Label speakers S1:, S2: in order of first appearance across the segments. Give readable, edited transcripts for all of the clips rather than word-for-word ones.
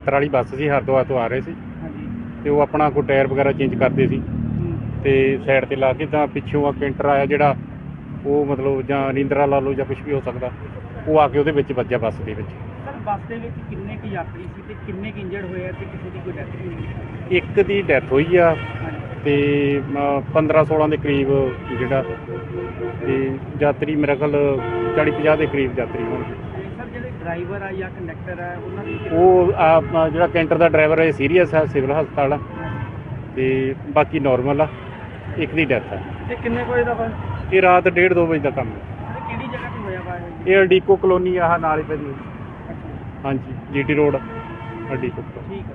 S1: ਯਾਤਰਾ ਵਾਲੀ ਬੱਸ ਸੀ, ਹਰਿਦੁਆਰ ਤੋਂ ਆ ਰਹੇ ਸੀ ਤੇ ਉਹ ਆਪਣਾ ਕੋਈ ਟਾਇਰ ਵਗੈਰਾ ਚੇਂਜ ਕਰਦੇ ਸੀ ਤੇ ਸਾਈਡ ਤੇ ਲਾ ਕੇ ਤਾਂ ਪਿੱਛੋਂ ਆ ਕੈਂਟਰ ਆਇਆ ਜਿਹੜਾ ਉਹ ਮਤਲਬ ਜਾਂ ਨੀਂਦਰਾ ਲਾ ਲਓ ਜਾਂ ਕੁਝ ਵੀ ਹੋ ਸਕਦਾ, ਉਹ ਆ ਕੇ ਉਹਦੇ ਵਿੱਚ ਵੱਜਿਆ ਬੱਸ ਦੇ ਵਿੱਚ।
S2: ਸਰ ਬੱਸ ਦੇ ਵਿੱਚ ਕਿੰਨੇ ਕੁ ਯਾਤਰੀ ਸੀ ਤੇ ਕਿੰਨੇ ਕੁ ਇੰਜਰਡ ਹੋਏ ਆ ਤੇ ਕਿਸੇ ਦੀ ਕੋਈ ਡੈਥ ਵੀ ਹੋਈ?
S1: ਇੱਕ ਦੀ ਡੈਥ ਹੋਈ ਆ ਤੇ 15-16 ਦੇ ਕਰੀਬ ਜਿਹੜਾ ਤੇ ਯਾਤਰੀ ਮੇਰਾ ਖਿਆਲ 40-50 ਦੇ ਕਰੀਬ ਯਾਤਰੀ ਹੋਣਗੇ।
S2: ਸਰ ਜਿਹੜੇ ਡਰਾਈਵਰ ਆ ਜਾਂ ਕੰਡਕਟਰ ਆ ਉਹਨਾਂ ਦੀ
S1: ਉਹ ਜਿਹੜਾ ਕੈਂਟਰ ਦਾ ਡਰਾਈਵਰ ਹੈ ਸੀਰੀਅਸ ਹੈ, ਸਿਵਲ ਹਸਪਤਾਲ ਆ ਤੇ ਬਾਕੀ ਨੋਰਮਲ ਆ। ਇੱਕ ਦੀ ਡੈਥ ਹੈ।
S2: ਤੇ ਕਿੰਨੇ ਵਜੇ ਦਾ ਵਾ?
S1: ਇਹ ਰਾਤ 1:30-2 ਵਜੇ ਦਾ ਕੰਮ ਹੈ।
S2: ਕਿਹੜੀ ਜਗ੍ਹਾ ਤੇ ਹੋਇਆ ਵਾ
S1: ਇਹ ਅਡੀਕੋ ਕਲੋਨੀ ਆਹ ਨਾਲ ਹੀ ਪੈਂਦੀ। ਹਾਂਜੀ, GT रोड अडीको।
S2: ठीक है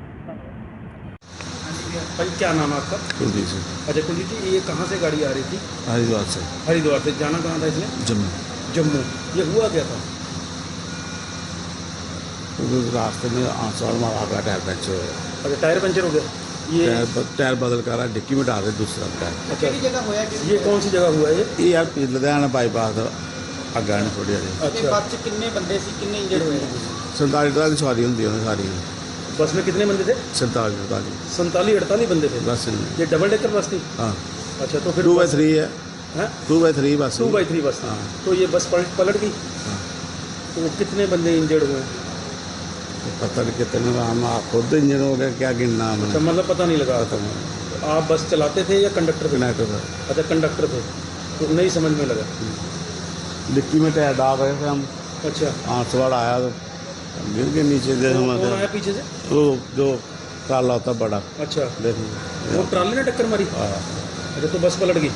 S3: भाई, क्या नाम है आपका?
S4: कुलदीप सिंह।
S3: अच्छा कुलदीप जी, ये कहाँ से गाड़ी आ रही थी?
S4: हरिद्वार से।
S3: हरिद्वार से। जाना कहाँ था इसने?
S4: जम्मू।
S3: जम्मू। ये हुआ क्या था?
S4: रास्ते में आंसवाड़ मारा गया, टायर पंचर हो गया।
S3: अच्छा, टायर पंचर हो गया। ये
S4: टायर बदल कर रहा, डिक्की में डाल रहे दूसरा टायर।
S3: अच्छा, जगह हुआ? ये कौन सी जगह हुआ है?
S4: ये यार लुधियाना बाईपास अग्गा ने थोड़ी हारी।
S3: अच्छा, बस में कितने बंदे सी, कितने इंजर्ड हुए?
S4: 47 सवारी होंगी सारी।
S3: बस में कितने बंदे थे?
S4: 47-48
S3: बंदे थे
S4: बस।
S3: ये डबल डेकर बस थी?
S4: हाँ।
S3: अच्छा, तो फिर
S4: 2x3 है। 2x3 बस।
S3: 2x3 बस थी।
S4: हाँ।
S3: तो ये बस पलट गई।
S4: हाँ।
S3: तो कितने बंदे इंजर्ड हुए?
S4: पता नहीं कितने, हम खुद इंजन हो गया, क्या गिनना हमने।
S3: अच्छा, मतलब पता नहीं लगा।
S4: पता नहीं।
S3: तो आप बस चलाते थे या कंडक्टर थे?
S4: कनेक्टर था।
S3: अच्छा, कंडक्टर थे, तो नहीं समझ में लगा।
S4: डिक्की में टायर डाल रहे थे हम।
S3: अच्छा,
S4: आंसवाड़ आया तो गिर के नीचे दे
S3: कौन आया पीछे से?
S4: वो जो काला होता बड़ा।
S3: अच्छा,
S4: देखिए
S3: वो ट्राली ने टक्कर मारी?
S4: हाँ।
S3: अच्छा, तो बस पलट गई।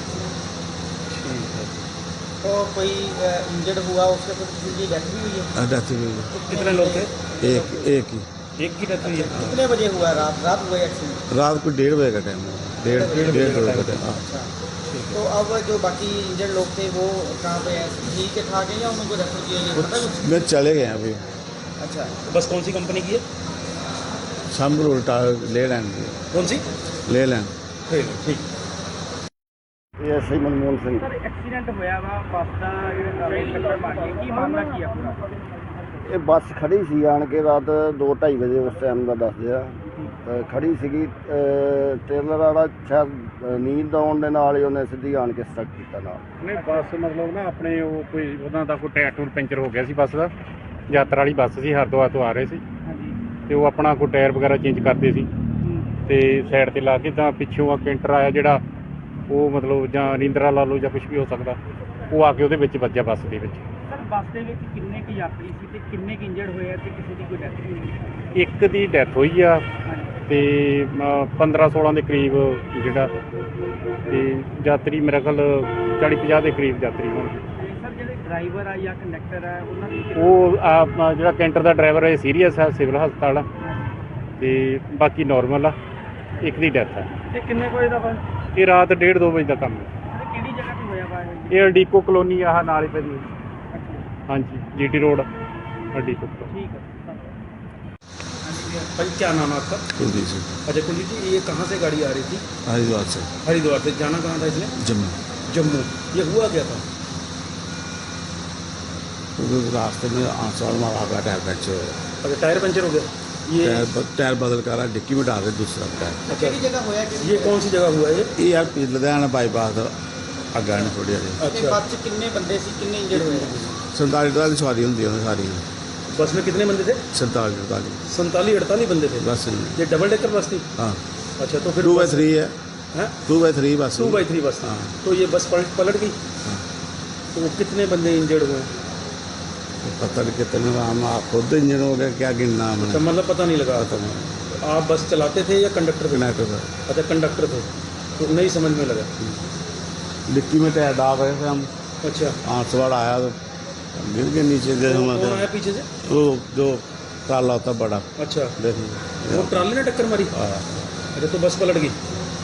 S2: तो कोई इंजर्ड हुआ, उसके कुछ किसी की डेथ भी हुई है?
S4: डेथ हुई है।
S3: तो कितने लोग थे?
S4: एक ही।
S3: एक की डेथ हुई है।
S2: कितने बजे हुआ? रात हुआ एक्सीडेंट?
S4: रात को 1:30 बजे का टाइम है। डेढ़ बजे का टाइम। हाँ।
S2: अच्छा, तो अब जो बाकी इंजर्ड लोग थे वो कहाँ पे हैं? ठीक है ठाक है या उनको रेफर किया गया, पता कुछ?
S4: मैं चले गए अभी।
S2: अच्छा,
S3: तो बस कौन सी कंपनी की है?
S4: शाम को उल्टा ले लैंड की।
S3: कौन सी?
S4: ले लैंड।
S3: ठीक।
S4: ये सही मनमोहन सिंह।
S2: सर एक्सीडेंट होया वा ਬੱਸ ਦਾ ਟੱਕਰ ਮਾਰ ਕੇ, ਕੀ ਮਾਮਲਾ ਕੀ ਆ ਪੂਰਾ?
S5: ਇਹ ਬੱਸ ਖੜੀ ਸੀ ਆਣ ਕੇ ਰਾਤ 2:30 ਵਜੇ ਉਸ ਟਾਈਮ ਦਾ ਦੱਸਦੇ ਆ। ਖੜੀ ਸੀਗੀ, ਟ੍ਰੇਲਰ ਵਾਲਾ ਸ਼ਾਇਦ ਨੀਂਦ ਆਉਣ ਦੇ ਨਾਲ ਹੀ ਉਹਨੇ ਸਿੱਧੀ ਆਣ ਕੇ ਸਟਕ ਕੀਤਾ ਨਾਲ।
S1: ਨਹੀਂ ਬੱਸ ਮਤਲਬ ਨਾ ਆਪਣੇ ਉਹ ਕੋਈ ਉਹਨਾਂ ਦਾ ਕੋਈ ਟਾਇਰ ਟੂਰ ਪੈਂਚਰ ਹੋ ਗਿਆ ਸੀ ਬੱਸ ਦਾ। ਯਾਤਰਾ ਵਾਲੀ ਬੱਸ ਸੀ, ਹਰਿਦੁਆਰ ਤੋਂ ਆ ਰਹੇ ਸੀ ਤੇ ਉਹ ਆਪਣਾ ਕੋਈ ਟਾਇਰ ਵਗੈਰਾ ਚੇਂਜ ਕਰਦੇ ਸੀ ਤੇ ਸਾਈਡ ਤੇ ਲਾ ਕੇ ਤਾਂ ਪਿੱਛੋਂ ਆ ਕੈਂਟਰ ਆਇਆ ਜਿਹੜਾ ਉਹ ਮਤਲਬ ਜਾਂ ਨੀਂਦਰਾ ਲਾ ਲਓ ਜਾਂ ਕੁਝ ਵੀ ਹੋ ਸਕਦਾ, ਉਹ ਆ ਕੇ ਉਹਦੇ ਵਿੱਚ ਵੱਜਿਆ ਬੱਸ ਦੇ ਵਿੱਚ।
S2: ਸਰ ਬੱਸ ਦੇ ਵਿੱਚ ਕਿੰਨੇ ਕੁ ਯਾਤਰੀ ਸੀ ਤੇ ਕਿੰਨੇ ਕੁ ਇੰਜਰਡ ਹੋਏ ਆ ਤੇ ਕਿਸੇ ਦੀ ਕੋਈ ਡੈਥ ਵੀ ਹੋਈ?
S1: ਇੱਕ ਦੀ ਡੈਥ ਹੋਈ ਆ ਤੇ 15-16 ਦੇ ਕਰੀਬ ਜਿਹੜਾ ਤੇ ਯਾਤਰੀ ਮੇਰਾ ਖਿਆਲ 40-50 ਦੇ ਕਰੀਬ ਯਾਤਰੀ ਹੋਣਗੇ।
S2: ਸਰ ਜਿਹੜੇ ਡਰਾਈਵਰ ਆ ਜਾਂ ਕੰਡਕਟਰ ਆ ਉਹਨਾਂ ਦੀ
S1: ਉਹ ਜਿਹੜਾ ਕੈਂਟਰ ਦਾ ਡਰਾਈਵਰ ਹੈ ਸੀਰੀਅਸ ਹੈ, ਸਿਵਲ ਹਸਪਤਾਲ ਆ ਤੇ ਬਾਕੀ ਨੋਰਮਲ ਆ। ਇੱਕ ਦੀ ਡੈਥ ਹੈ।
S2: ਤੇ ਕਿੰਨੇ ਵਜੇ ਦਾ ਵਾ?
S1: ਇਹ ਰਾਤ 1:30-2 ਵਜੇ ਦਾ ਕੰਮ ਹੈ।
S2: ਕਿਹੜੀ ਜਗ੍ਹਾ ਤੇ ਹੋਇਆ ਵਾ?
S1: ਇਹ ਅਡੀਕੋ ਕਲੋਨੀ ਆਹ ਨਾਲ ਹੀ ਪੈਂਦੀ। ਹਾਂਜੀ, GT रोड अडीको।
S2: ठीक है
S3: भाई, क्या नाम है आपका?
S4: कुलदीप सिंह।
S3: अच्छा कुलदीप जी, ये कहाँ से गाड़ी आ रही थी?
S4: हरिद्वार से।
S3: हरिद्वार से। जाना कहाँ था इसने?
S4: जम्मू।
S3: जम्मू। ये हुआ क्या था?
S4: रास्ते में आंसवाड़ मारा गया, टायर पंचर हो गया।
S3: अच्छा, टायर पंचर हो गया। ये
S4: टायर बदल कर रहा, डिक्की में डाल रहे दूसरा टायर।
S3: अच्छा,
S2: जगह होया?
S3: ये कौन सी जगह हुआ है?
S4: ये यार लुधियाना बाईपास अग्गा ने थोड़ी हारी।
S3: अच्छा,
S2: बस में कितने बंदे सी, कितने इंजर्ड हुए?
S4: 47 सवारी होंगी सारी।
S3: बस में कितने बंदे थे?
S4: 47-48
S3: बंदे थे।
S4: बस।
S3: ये डबल डेकर बस थी?
S4: हाँ।
S3: अच्छा, तो फिर
S4: 2x3 है। 2x3 बस।
S3: 2x3 बस थी।
S4: हाँ।
S3: तो ये बस पलट गई।
S4: हाँ।
S3: तो कितने बंदे इंजर्ड हुए?
S4: पता नहीं कितने, हम खुद इंजन हो गया, क्या गिनना
S3: अच्छा,
S4: हमने।
S3: मतलब पता नहीं लगा।
S4: पता नहीं।
S3: आप बस चलाते थे या कंडक्टर थे?
S4: कनेक्टर था।
S3: अच्छा, कंडक्टर थे, तो नहीं समझ में लगा।
S4: डिक्की में टायर डाल रहे थे हम।
S3: अच्छा,
S4: आंसवाड़ आया तो गिर के नीचे दे
S3: कौन आया पीछे से?
S4: वो जो काला होता बड़ा।
S3: अच्छा,
S4: देखिए
S3: वो ट्राली ने टक्कर मारी?
S4: हाँ।
S3: अच्छा, तो बस पलट गई।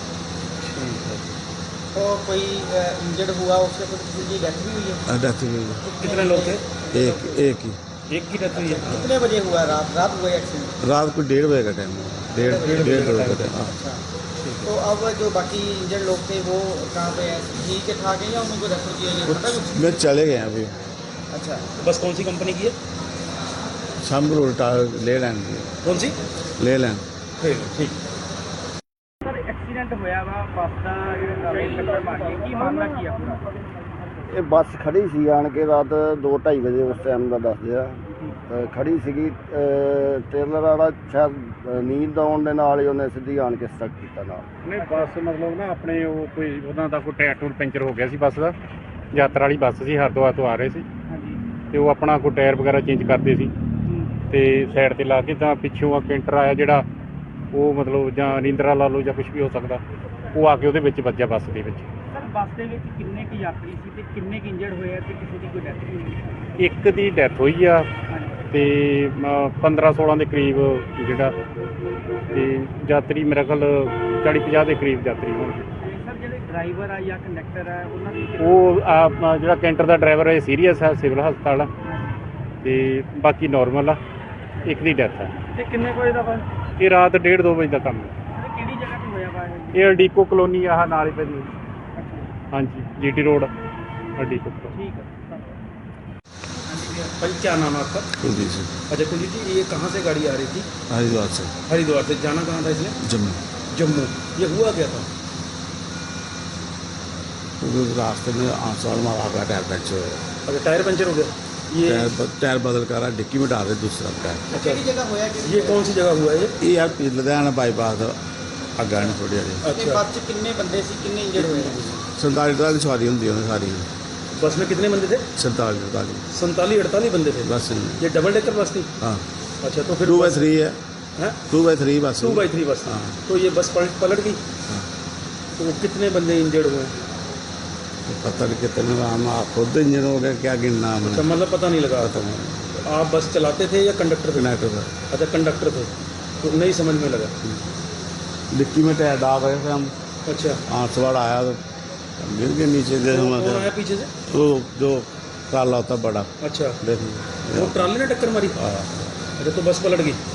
S2: तो कोई इंजर्ड हुआ, उसके कुछ किसी की डेथ भी हुई है?
S4: डेथ हुई है।
S3: तो कितने लोग थे?
S4: एक ही।
S3: एक की डेथ हुई है।
S2: कितने बजे हुआ? रात हुआ एक्सीडेंट?
S4: रात को 1:30 बजे का टाइम है। डेढ़ बजे का टाइम। हाँ।
S2: अच्छा, तो अब जो बाकी इंजर्ड लोग थे वो कहाँ पे हैं? ठीक है ठाक है या उनको रेफर किया गया, पता कुछ?
S4: मैं चले गए अभी।
S2: अच्छा,
S3: बस कौन सी कंपनी की है?
S4: शाम को उल्टा ले लैंड
S3: कौन सी
S4: ले लैंड
S3: ठीक
S2: ਸਰ ਐਕਸੀਡੈਂਟ ਹੋਇਆ ਵਾ ਬੱਸ ਦਾ ਟੱਕਰ ਮਾਰ ਗਈ ਕੀ ਮਾਮਲਾ ਕੀ ਆ ਪੂਰਾ
S5: ਇਹ ਬੱਸ ਖੜੀ ਸੀ ਆਣ ਕੇ ਰਾਤ 2:30 ਵਜੇ ਉਸ ਟਾਈਮ ਦਾ ਦੱਸਦੇ ਆ ਖੜੀ ਸੀਗੀ ਟ੍ਰੇਲਰ ਵਾਲਾ ਸ਼ਾਇਦ ਨੀਂਦ ਆਉਣ ਦੇ ਨਾਲ ਹੀ ਉਹਨੇ ਸਿੱਧੀ ਆਣ ਕੇ ਸਟਕ ਕੀਤਾ ਨਾਲ
S1: ਨਹੀਂ ਬੱਸ ਮਤਲਬ ਨਾ ਆਪਣੇ ਉਹ ਕੋਈ ਉਹਨਾਂ ਦਾ ਕੋਈ ਟਾਇਰ ਟੂਰ ਪੈਂਚਰ ਹੋ ਗਿਆ ਸੀ ਬੱਸ ਦਾ ਯਾਤਰਾ ਵਾਲੀ ਬੱਸ ਸੀ ਹਰਿਦੁਆਰ ਤੋਂ ਆ ਰਹੇ ਸੀ
S2: ਹਾਂਜੀ
S1: ਤੇ ਉਹ ਆਪਣਾ ਕੋਈ ਟਾਇਰ ਵਗੈਰਾ ਚੇਂਜ ਕਰਦੇ ਸੀ ਤੇ ਸਾਈਡ ਤੇ ਲਾ ਕੇ ਤਾਂ ਪਿੱਛੋਂ ਆ ਕੈਂਟਰ ਆਇਆ ਜਿਹੜਾ ਉਹ ਮਤਲਬ ਜਾਂ ਨੀਂਦਰਾ ਲਾ ਲਓ ਜਾਂ ਕੁਝ ਵੀ ਹੋ ਸਕਦਾ ਉਹ ਆ ਕੇ ਉਹਦੇ ਵਿੱਚ ਵੱਜਿਆ ਬੱਸ ਦੇ ਵਿੱਚ
S2: ਸਰ ਬੱਸ ਦੇ ਵਿੱਚ ਕਿੰਨੇ ਕੁ ਯਾਤਰੀ ਸੀ ਤੇ ਕਿੰਨੇ ਕੁ ਇੰਜਰਡ ਹੋਏ ਆ ਤੇ ਕਿਸੇ ਦੀ ਕੋਈ ਡੈਥ ਵੀ ਹੋਈ
S1: ਇੱਕ ਦੀ ਡੈਥ ਹੋਈ ਆ ਤੇ 15-16 ਦੇ ਕਰੀਬ ਜਿਹੜਾ ਤੇ ਯਾਤਰੀ ਮੇਰੇ ਖਿਆਲ 40-50 ਦੇ ਕਰੀਬ ਯਾਤਰੀ ਹੋਣਗੇ
S2: ਤੇ ਸਰ ਜਿਹੜੇ ਡਰਾਈਵਰ ਆ ਜਾਂ ਕੰਡਕਟਰ ਆ ਉਹਨਾਂ ਦੀ
S1: ਉਹ ਆਪਣਾ ਜਿਹੜਾ ਕੈਂਟਰ ਦਾ ਡਰਾਈਵਰ ਹੈ ਸੀਰੀਅਸ ਹੈ ਸਿਵਲ ਹਸਪਤਾਲ ਆ ਤੇ ਬਾਕੀ ਨਾਰਮਲ ਆ ਇੱਕ ਦੀ ਡੈਥ ਹੈ
S2: ਤੇ ਕਿੰਨੇ ਕੋਈ ਦਾ ਵਾ
S1: ਇਹ ਰਾਤ 1:30-2 ਵਜੇ ਦਾ ਕੰਮ ਹੈ
S2: ਤੇ ਕਿਹੜੀ ਜਗ੍ਹਾ ਤੇ ਹੋਇਆ ਵਾ ਇਹ
S1: ਇਹ ਅਡੀਕੋ ਕਲੋਨੀ ਆਹ ਨਾਲ ਹੀ ਪੈਂਦੀ ਹਾਂਜੀ जीटी रोड अडीको
S2: ਠੀਕ ਹੈ
S3: भाई क्या नाम है आपका
S4: कुलदीप सिंह
S3: अच्छा कुलदीप जी ये कहाँ से गाड़ी आ रही थी
S4: हरिद्वार से
S3: हरिद्वार से जाना कहाँ था इसने
S4: जम्मू
S3: जम्मू ये हुआ क्या था
S4: क्योंकि उस रास्ते में आंसवाड़ मारा गया टायर पंचर हो गया
S3: अच्छा टायर पंचर हो गया ये
S4: टायर बदल कर डिक्की में डाल रहे दूसरा टायर
S3: अच्छा
S2: ਕਿਹੜੀ ਜਗ੍ਹਾ ਹੋਇਆ ਕਿ
S3: ये कौन सी जगह हुआ है
S4: ये यार लुधियाना बाईपास अग्गा ने थोड़ी हारी
S2: ਤੇ
S3: अच्छा
S2: ਬੱਸ 'ਚ ਕਿੰਨੇ ਬੰਦੇ ਸੀ ਕਿੰਨੇ ਇੰਜਰਡ ਹੋਏ ਆ
S4: 47 की सवारी होंगी उन्हें सारी
S3: बस में कितने बंदे थे
S4: 47
S3: 47-48 बंदे थे
S4: बस
S3: ये डबल डेकर बस थी
S4: हाँ
S3: अच्छा तो फिर
S4: 2/3 है
S3: हैं
S4: 2/3 बस
S3: 2/3 बस थी
S4: हाँ।
S3: तो ये बस पलट गई
S4: हाँ।
S3: तो कितने बंदे इंजर्ड हुए
S4: पता नहीं कितने हम खुद इंजन हो गया क्या गिनना
S3: अच्छा
S4: हमने
S3: मतलब पता नहीं लगा
S4: पता नहीं
S3: आप बस चलाते थे या कंडक्टर थे
S4: कनेक्टर था
S3: अच्छा कंडक्टर थे तो नहीं समझ में लगा
S4: डिक्की में टायर डाल रहे थे हम
S3: अच्छा
S4: आंसवाड़ आया तो गिर के नीचे दे
S3: कौन आया पीछे से
S4: वो जो काला होता बड़ा
S3: अच्छा
S4: देख
S3: वो ट्राली ने टक्कर मारी
S4: हाँ
S3: अच्छा तो बस पलट गई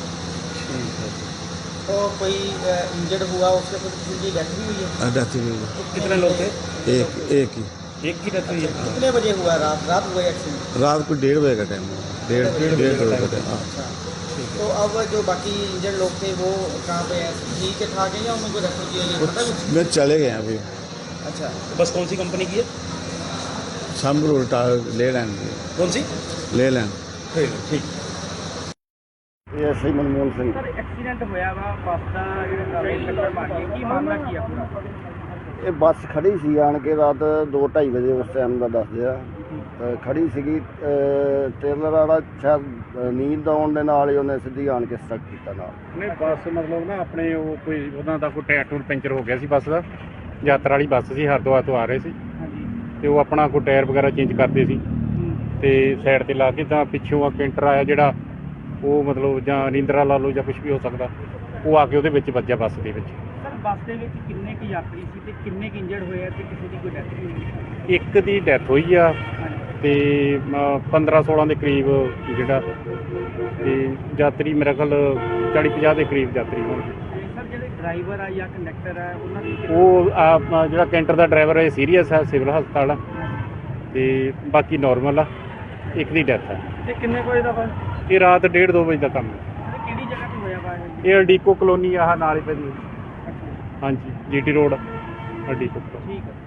S2: तो कोई इंजर्ड हुआ उसके कुछ किसी की डेथ भी हुई है
S4: डेथ हुई
S3: तो कितने लोग थे
S4: एक ही
S3: एक की डेथ हुई है
S2: कितने बजे हुआ रात हुआ एक्सीडेंट
S4: रात को 1:30 बजे का टाइम हुआ 1:30 बजे का टाइम हाँ
S2: अच्छा तो अब जो बाकी इंजर्ड लोग थे वो कहाँ पे हैं ठीक है ठाक है या उनको रेफर किया गया पता कुछ
S4: मैं चले गए अभी
S2: अच्छा
S3: बस कौन सी कंपनी की है
S4: शाम को उल्टा ले लैंड
S3: कौन सी
S4: ले लैंड
S3: ठीक
S5: ਇਹ SI Manmohan Singh
S2: sir accident ਹੋਇਆ ਵਾ ਬੱਸ ਦਾ ਟੱਕਰ ਮਾਰ ਗਈ ਕੀ ਮਾਮਲਾ ਕੀ ਆ ਪੂਰਾ
S5: ਇਹ ਬੱਸ ਖੜੀ ਸੀ ਆਣ ਕੇ ਰਾਤ 2:30 ਵਜੇ ਉਸ ਟਾਈਮ ਦਾ ਦੱਸਦੇ ਆ ਖੜੀ ਸੀਗੀ ਟ੍ਰੇਲਰ ਵਾਲਾ ਸ਼ਾਇਦ ਨੀਂਦ ਆਉਣ ਦੇ ਨਾਲ ਹੀ ਉਹਨੇ ਸਿੱਧੀ ਆਣ ਕੇ ਸਟਕ ਕੀਤਾ ਨਾਲ
S1: ਨਹੀਂ ਬੱਸ ਮਤਲਬ ਨਾ ਆਪਣੇ ਉਹ ਕੋਈ ਉਹਨਾਂ ਦਾ ਕੋਈ ਟਾਇਰ ਟੂਰ ਪੈਂਚਰ ਹੋ ਗਿਆ ਸੀ ਬੱਸ ਦਾ ਯਾਤਰਾ ਵਾਲੀ ਬੱਸ ਸੀ ਹਰਿਦੁਆਰ ਤੋਂ ਆ ਰਹੇ ਸੀ
S2: ਹਾਂਜੀ
S1: ਤੇ ਉਹ ਆਪਣਾ ਕੋਈ ਟਾਇਰ ਵਗੈਰਾ ਚੇਂਜ ਕਰਦੇ ਸੀ ਤੇ ਸਾਈਡ ਤੇ ਲਾ ਕੇ ਤਾਂ ਪਿੱਛੋਂ ਆ ਕੈਂਟਰ ਆਇਆ ਜਿਹੜਾ ਉਹ ਮਤਲਬ ਜਾਂ ਨੀਂਦਰਾ ਲਾ ਲਓ ਜਾਂ ਕੁਝ ਵੀ ਹੋ ਸਕਦਾ ਉਹ ਆ ਕੇ ਉਹਦੇ ਵਿੱਚ ਵੱਜਿਆ ਬੱਸ ਦੇ ਵਿੱਚ
S2: ਸਰ ਬੱਸ ਦੇ ਵਿੱਚ ਕਿੰਨੇ ਕੁ ਯਾਤਰੀ ਸੀ ਤੇ ਕਿੰਨੇ ਕੁ ਇੰਜਰਡ ਹੋਏ ਆ ਤੇ ਕਿਸੇ ਦੀ ਕੋਈ ਡੈਥ ਵੀ ਹੋਈ
S1: ਇੱਕ ਦੀ ਡੈਥ ਹੋਈ ਆ ਤੇ 15-16 ਦੇ ਕਰੀਬ ਜਿਹੜਾ ਤੇ ਯਾਤਰੀ ਮੇਰੇ ਖਿਆਲ 40-50 ਦੇ ਕਰੀਬ ਯਾਤਰੀ ਹੋਣਗੇ
S2: ਤੇ ਸਰ ਜਿਹੜੇ ਡਰਾਈਵਰ ਆ ਜਾਂ ਕੰਡਕਟਰ ਆ ਉਹਨਾਂ ਦੀ
S1: ਉਹ ਆਪਣਾ ਜਿਹੜਾ ਕੈਂਟਰ ਦਾ ਡਰਾਈਵਰ ਹੈ ਸੀਰੀਅਸ ਹੈ ਸਿਵਲ ਹਸਪਤਾਲ ਆ ਤੇ ਬਾਕੀ ਨਾਰਮਲ ਆ ਇੱਕ ਦੀ ਡੈਥ ਹੈ
S2: ਤੇ ਕਿੰਨੇ ਕੋਈ ਦਾ ਵਾ
S1: ਇਹ ਰਾਤ 1:30-2 ਵਜੇ ਦਾ ਕੰਮ ਹੈ
S2: ਤੇ ਕਿਹੜੀ ਜਗ੍ਹਾ ਤੇ ਹੋਇਆ ਵਾ ਇਹ
S1: ਇਹ ਅਡੀਕੋ ਕਲੋਨੀ ਆਹ ਨਾਲ ਹੀ ਪੈਂਦੀ ਹਾਂਜੀ जीटी रोड अडीको
S2: ठीक है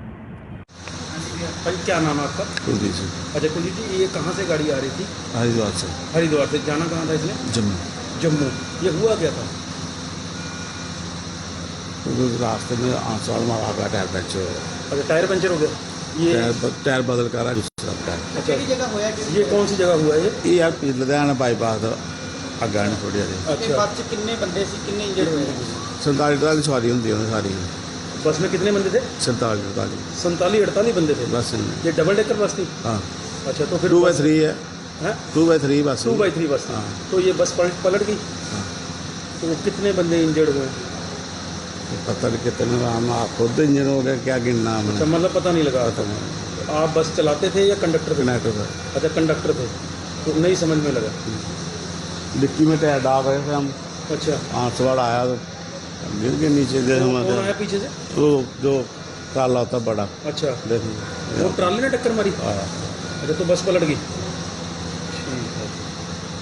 S3: भाई क्या नाम है आपका
S4: कुलदीप सिंह
S3: अच्छा कुलदीप जी ये कहाँ से गाड़ी आ रही थी
S4: हरिद्वार से
S3: हरिद्वार से जाना कहाँ था इसने
S4: जम्मू
S3: जम्मू ये हुआ क्या था
S4: क्योंकि उस रास्ते में आंसवाड़ मारा गया टायर पंचर हो गया
S3: अच्छा टायर पंचर हो गया ये
S4: टायर बदल कर दूसरा टायर
S3: अच्छा
S2: ਕਿਹੜੀ ਜਗ੍ਹਾ ਹੋਇਆ ਕਿ
S3: ये कौन सी जगह हुआ है
S4: ये यार लुधियाना बाईपास अग्गा ने थोड़ी हारी
S2: ਤੇ
S3: अच्छा
S2: ਬੱਸ 'ਚ ਕਿੰਨੇ ਬੰਦੇ ਸੀ ਕਿੰਨੇ ਇੰਜਰਡ ਹੋਏ ਆ
S4: 47 की सवारी होंगी उन्हें सारी
S3: बस में कितने बंदे थे
S4: 47
S3: 47-48 बंदे थे
S4: बस
S3: ये डबल डेकर बस थी
S4: हाँ
S3: अच्छा तो फिर
S4: 2/3 है
S3: हैं
S4: 2/3 बस
S3: 2/3 बस थी
S4: हाँ।
S3: तो ये बस पलट गई
S4: हाँ।
S3: तो कितने बंदे इंजर्ड हुए
S4: पता नहीं कितने हम खुद इंजन हो गया क्या गिनना
S3: अच्छा
S4: हमने
S3: मतलब पता नहीं लगा
S4: पता नहीं
S3: आप बस चलाते थे या कंडक्टर थे
S4: कनेक्टर था
S3: अच्छा कंडक्टर थे तो नहीं समझ में लगा
S4: डिक्की में टायर डाल रहे थे हम
S3: अच्छा
S4: आंसवाड़ आया तो गिर के नीचे दे
S3: कौन आया पीछे से
S4: वो जो काला होता बड़ा
S3: अच्छा
S4: देख
S3: वो ट्राली ने टक्कर मारी
S4: हाँ
S3: अच्छा तो बस पलट गई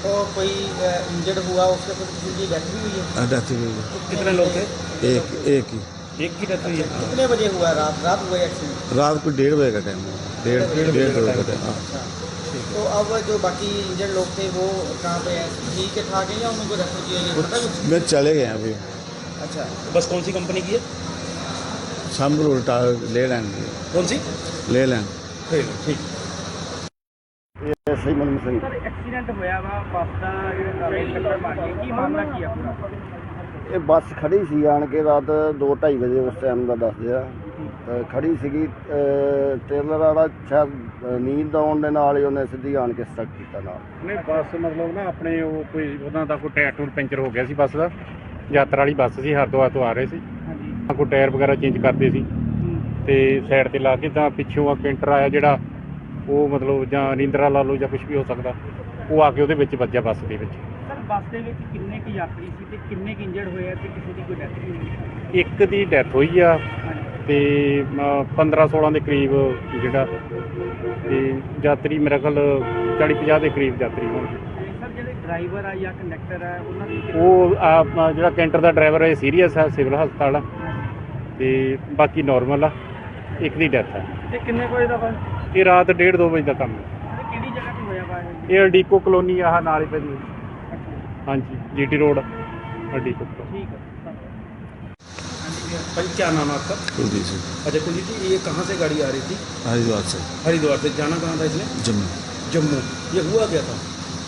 S2: और कोई इंजर्ड हुआ उसके कुछ किसी की डेथ भी हुई है?
S4: डेथ हुई है।
S3: कितने लोग थे?
S4: एक ही
S3: एक की डेथ हुई है।
S2: कितने बजे हुआ? रात हुआ एक्सीडेंट?
S4: रात को 1:30 बजे का टाइम है। डेढ़ दो का टाइम। हाँ।
S2: अच्छा, तो अब जो बाकी इंजर्ड लोग थे वो कहाँ पे हैं? ठीक है ठाक है या उनको रेफर किया गया, पता कुछ?
S4: मैं चले गए अभी
S2: अच्छा,
S3: बस कौन सी कंपनी की है?
S4: शाम को उल्टा ले लेंगे।
S3: कौन सी?
S4: ले लेंगे।
S3: ठीक।
S5: ਇਹ ਸਹੀ ਮਨ ਸਿੰਘ
S2: ਸਰ ਐਕਸੀਡੈਂਟ ਹੋਇਆ ਵਾ ਬੱਸ ਦਾ ਜਿਹੜਾ ਟੱਕਰ ਮਾਰੀ ਕੀ ਮਾਮਲਾ ਕੀ ਆ ਪੂਰਾ?
S5: ਇਹ ਬੱਸ ਖੜੀ ਸੀ ਆਣ ਕੇ ਰਾਤ 2:30 ਵਜੇ ਉਸ ਟਾਈਮ ਦਾ ਦੱਸਦੇ ਆ ਖੜੀ ਸੀਗੀ ਟ੍ਰੇਲਰ ਵਾਲਾ ਸ਼ਾਇਦ ਨੀਂਦ ਆਉਣ ਦੇ ਨਾਲ ਹੀ ਉਹਨੇ ਸਿੱਧੀ ਆਣ ਕੇ ਸਟਕ ਕੀਤਾ ਨਾਲ।
S1: ਨਹੀਂ ਬੱਸ ਮਤਲਬ ਨਾ ਆਪਣੇ ਉਹ ਕੋਈ ਉਹਨਾਂ ਦਾ ਕੋਈ ਟਾਇਰ ਟੂਰ ਪੈਂਚਰ ਹੋ ਗਿਆ ਸੀ ਬੱਸ ਦਾ। ਯਾਤਰਾ ਵਾਲੀ ਬੱਸ ਸੀ, ਹਰਿਦੁਆਰ ਤੋਂ ਆ ਰਹੇ ਸੀ।
S2: ਹਾਂਜੀ।
S1: ਕੋਈ ਟਾਇਰ ਵਗੈਰਾ ਚੇਂਜ ਕਰਦੇ ਸੀ ਤੇ ਸਾਈਡ ਤੇ ਲਾ ਕੇ ਤਾਂ ਪਿੱਛੋਂ ਆ ਕੈਂਟਰ ਆਇਆ ਜਿਹੜਾ ਉਹ ਮਤਲਬ ਜਾਂ ਨੀਂਦਰਾ ਲਾ ਲਓ ਜਾਂ ਕੁਝ ਵੀ ਹੋ ਸਕਦਾ, ਉਹ ਆ ਕੇ ਉਹਦੇ ਵਿੱਚ ਵੱਜਿਆ ਬੱਸ ਦੇ ਵਿੱਚ।
S2: ਸਰ ਬੱਸ ਦੇ ਵਿੱਚ ਕਿੰਨੇ ਕੁ ਯਾਤਰੀ ਸੀ ਤੇ ਕਿੰਨੇ ਕੁ ਇੰਜਰਡ ਹੋਏ ਆ ਤੇ ਕਿਸੇ ਦੀ ਕੋਈ ਡੈਥ ਵੀ ਹੋਈ?
S1: ਇੱਕ ਦੀ ਡੈਥ ਹੋਈ ਆ ਤੇ 15-16 ਦੇ ਕਰੀਬ ਜਿਹੜਾ ਤੇ ਯਾਤਰੀ ਮੇਰੇ ਖਿਆਲ 40-50 ਦੇ ਕਰੀਬ ਯਾਤਰੀ ਹੋਣਗੇ।
S2: ਸਰ ਜਿਹੜੇ ਡਰਾਈਵਰ ਆ ਜਾਂ ਕੰਡਕਟਰ ਆ ਉਹਨਾਂ ਦੀ
S1: ਉਹ ਜਿਹੜਾ ਕੈਂਟਰ ਦਾ ਡਰਾਈਵਰ ਹੈ ਸੀਰੀਅਸ ਹੈ, ਸਿਵਲ ਹਸਪਤਾਲ ਆ ਤੇ ਬਾਕੀ ਨਾਰਮਲ ਆ। ਇੱਕ ਦੀ ਡੈਥ ਹੈ।
S2: ਤੇ ਕਿੰਨੇ ਕੋਈ ਦਾ ਵਾ?
S1: ਇਹ ਰਾਤ 1:30-2 ਵਜੇ ਦਾ ਕੰਮ ਹੈ।
S2: ਤੇ ਕਿਹੜੀ ਜਗ੍ਹਾ ਤੇ ਹੋਇਆ ਵਾ ਇਹ?
S1: ਇਹ ਅਡੀਕੋ ਕਲੋਨੀ ਆਹ ਨਾਲ ਹੀ ਪੈਂਦੀ। ਹਾਂਜੀ, GT रोड अडीको।
S2: ठीक है।
S3: भाई क्या नाम है आपका?
S4: कुलदीप सिंह,
S3: अच्छा कुलदीप जी, ये कहाँ से गाड़ी आ रही थी?
S4: हरिद्वार से
S3: हरिद्वार से। जाना कहाँ था इसने?
S4: जम्मू।
S3: जम्मू। ये हुआ क्या था?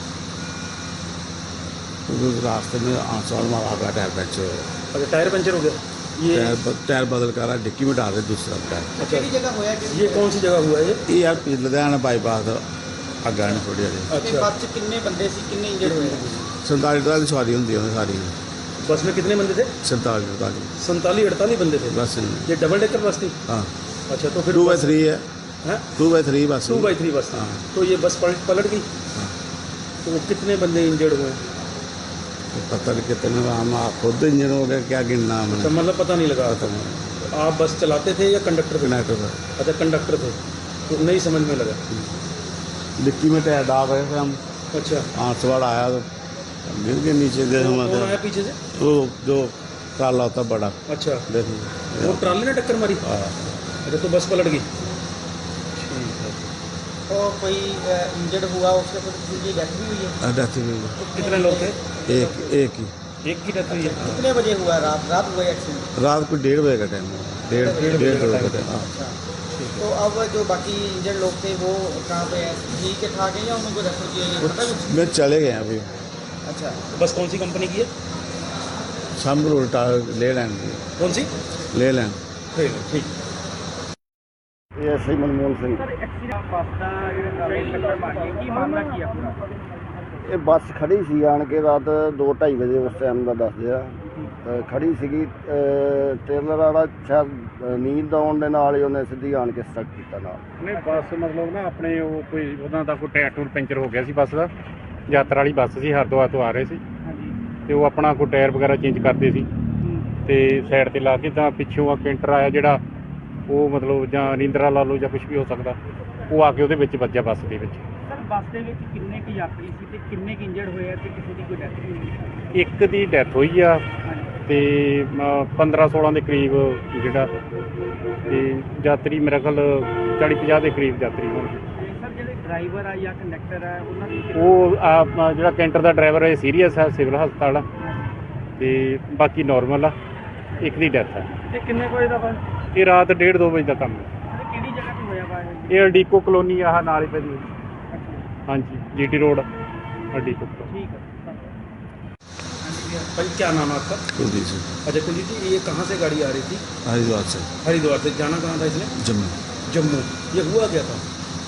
S4: उस रास्ते में आसवाड़ में आगा टायर पंचर हो गया।
S3: अच्छा टायर पंचर हो गया। ये
S4: टायर बदल कर रहा, डिक्की में डाल रहे दूसरा टायर।
S3: अच्छा
S2: ਕਿਹੜੀ ਜਗ੍ਹਾ ਹੋਇਆ ਕਿ
S3: ये कौन सी जगह हुआ है ये?
S4: ये यार लुधियाना बाईपास अग्गा ने थोड़ी हारी
S3: अच्छा
S2: ਬੱਸ 'ਚ ਕਿੰਨੇ ਬੰਦੇ ਸੀ, ਕਿੰਨੇ ਇੰਜਰਡ ਹੋਏ?
S4: 47 सवारी होंगी सारी।
S3: बस में कितने बंदे थे?
S4: 47
S3: 47-48 बंदे थे।
S4: बस
S3: ये डबल डेकर बस थी?
S4: हाँ
S3: अच्छा तो फिर
S4: 2x3 है।
S3: हैं?
S4: 2x3 बस
S3: 2x3 बस थी।
S4: हाँ।
S3: तो ये बस पलट गई।
S4: हाँ।
S3: तो कितने बंदे इंजर्ड हुए?
S4: पता नहीं कितने हम खुद इंजन हो गया, क्या गिनना
S3: अच्छा
S4: हमने।
S3: मतलब पता नहीं लगा।
S4: पता नहीं।
S3: आप बस चलाते थे या कंडक्टर थे?
S4: कनेक्टर था,
S3: अच्छा कंडक्टर थे, तो नहीं समझ में लगा।
S4: डिक्की में टायर डाल रहे थे हम।
S3: अच्छा
S4: आसवाड़ आया तो गिर के नीचे दे
S3: कौन आया पीछे से?
S4: तो जो काला होता बड़ा
S3: अच्छा
S4: देखिए।
S3: वो ट्राली ने टक्कर मारी।
S4: हाँ।
S3: अच्छा तो बस पलट गई। ठीक है।
S2: और कोई इंजर्ड हुआ उसके कुछ किसी की डेथ भी हुई है?
S4: डेथ हुई है।
S3: तो कितने लोग थे?
S4: एक ही
S3: एक की डेथ हुई है।
S2: कितने बजे हुआ? रात हुआ एक्सीडेंट?
S4: रात को 1:30 बजे का टाइम है। डेढ़ दो का टाइम। हाँ।
S2: अच्छा, तो अब जो बाकी इंजर्ड लोग थे वो कहाँ पे हैं? ठीक है ठाक है या उनको रेफर किया गया, पता कुछ?
S4: मैं चले गए अभी
S2: अच्छा,
S3: बस कौन सी कंपनी की है?
S4: शाम को उल्टा ले लेंगे।
S3: कौन सी?
S4: ले लेंगे।
S3: ठीक।
S5: ਇਹ ਸਹੀ Manmohan Singh.
S2: Sir accident bus ਦਾ ਜਿਹੜਾ ਟੱਕਰ ਮਾਰੀ ਕੀ ਮਾਮਲਾ ਕੀ ਆ ਪੂਰਾ?
S5: ਇਹ ਬੱਸ ਖੜੀ ਸੀ ਆਣ ਕੇ ਰਾਤ 2:30 ਵਜੇ ਉਸ ਟਾਈਮ ਦਾ ਦੱਸਦੇ ਆ ਖੜੀ ਸੀਗੀ ਟ੍ਰੇਲਰ ਵਾਲਾ ਸ਼ਾਇਦ ਨੀਂਦ ਆਉਣ ਦੇ ਨਾਲ ਹੀ ਉਹਨੇ ਸਿੱਧੀ ਆਣ ਕੇ ਸਟਕ ਕੀਤਾ ਨਾਲ।
S1: ਨਹੀਂ ਬੱਸ ਮਤਲਬ ਨਾ ਆਪਣੇ ਉਹ ਕੋਈ ਉਹਨਾਂ ਦਾ ਕੋਈ ਟਾਇਰ ਟੂਰ ਪੈਂਚਰ ਹੋ ਗਿਆ ਸੀ ਬੱਸ ਦਾ। ਯਾਤਰਾ ਵਾਲੀ ਬੱਸ ਸੀ, ਹਰਿਦੁਆਰ ਤੋਂ ਆ ਰਹੇ ਸੀ
S2: ਹਾਂਜੀ।
S1: ਤੇ ਉਹ ਆਪਣਾ ਕੋਈ ਟਾਇਰ ਵਗੈਰਾ ਚੇਂਜ ਕਰਦੇ ਸੀ ਤੇ ਸਾਈਡ ਤੇ ਲਾ ਕੇ ਤਾਂ ਪਿੱਛੋਂ ਆ ਕੈਂਟਰ ਆਇਆ ਜਿਹੜਾ ਉਹ ਮਤਲਬ ਜਾਂ ਨੀਂਦਰਾ ਲਾ ਲਓ ਜਾਂ ਕੁਝ ਵੀ ਹੋ ਸਕਦਾ, ਉਹ ਆ ਕੇ ਉਹਦੇ ਵਿੱਚ ਵੱਜਿਆ ਬੱਸ ਦੇ ਵਿੱਚ।
S2: ਸਰ ਬੱਸ ਦੇ ਵਿੱਚ ਕਿੰਨੇ ਕੁ ਯਾਤਰੀ ਸੀ ਤੇ ਕਿੰਨੇ ਕੁ ਇੰਜਰਡ ਹੋਏ ਆ ਤੇ ਕਿਸੇ ਦੀ ਕੋਈ ਡੈਥ ਵੀ ਹੋਈ?
S1: ਇੱਕ ਦੀ ਡੈਥ ਹੋਈ ਆ ਤੇ 15-16 ਦੇ ਕਰੀਬ ਜਿਹੜਾ ਤੇ ਯਾਤਰੀ ਮੇਰੇ ਖਿਆਲ 40-50 ਦੇ ਕਰੀਬ ਯਾਤਰੀ ਹੋਣਗੇ।
S2: ਸਰ ਜਿਹੜੇ ਡਰਾਈਵਰ ਆ ਜਾਂ ਕੰਡਕਟਰ ਆ ਉਹਨਾਂ ਦੀ
S1: ਉਹ ਜਿਹੜਾ ਕੈਂਟਰ ਦਾ ਡਰਾਈਵਰ ਹੈ ਸੀਰੀਅਸ ਹੈ, ਸਿਵਲ ਹਸਪਤਾਲ ਆ ਤੇ ਬਾਕੀ ਨਾਰਮਲ ਆ। ਇੱਕ ਦੀ ਡੈਥ ਹੈ।
S2: ਤੇ ਕਿੰਨੇ ਕੋਈ ਦਾ ਵਾ?
S1: ਇਹ ਰਾਤ 1:30-2 ਵਜੇ ਦਾ ਕੰਮ ਹੈ।
S2: ਤੇ ਕਿਹੜੀ ਜਗ੍ਹਾ ਤੇ ਹੋਇਆ ਵਾ ਇਹ?
S1: ਇਹ ਅਡੀਕੋ ਕਲੋਨੀ ਆਹ ਨਾਲ ਹੀ ਪੈਂਦੀ। ਹਾਂਜੀ, GT रोड अडीको।
S2: ठीक है।
S3: भाई क्या नाम है आपका?
S4: कुलदीप सिंह,
S3: अच्छा कुलदीप जी, ये कहाँ से गाड़ी आ रही थी?
S4: हरिद्वार से
S3: हरिद्वार से। जाना कहाँ था इसने?
S4: जम्मू।
S3: जम्मू। ये हुआ क्या था?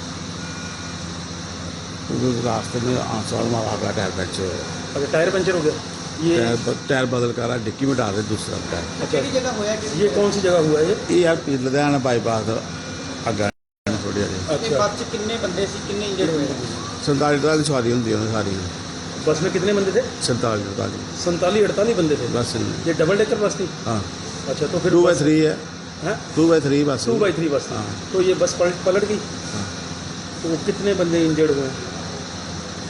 S4: उस रास्ते में आसवाड़ में आगा टायर पंचर हो गया।
S3: अच्छा टायर पंचर हो गया। ये
S4: टायर बदल कर रहा, डिक्की में डाल रहे दूसरा टायर।
S3: अच्छा
S2: किहड़ी जगह होया कि
S3: ये कौन सी जगह हुआ है ये?
S4: ये यार लुधियाना बाईपास अग्गा ने थोड़ी हारी
S2: ते
S3: अच्छा
S2: बस च किन्ने बंदे सी, किन्ने इंजर्ड होए?
S4: 47 सवारी होंगी सारी।
S3: बस में कितने बंदे थे?
S4: 47
S3: 47-48 बंदे थे।
S4: बस
S3: ये डबल डेकर बस थी?
S4: हाँ
S3: अच्छा तो फिर
S4: 2x3 है।
S3: हैं?
S4: 2x3 बस
S3: 2x3 बस थी।
S4: हाँ।
S3: तो ये बस पलट गई।
S4: हाँ।
S3: तो कितने बंदे इंजर्ड हुए?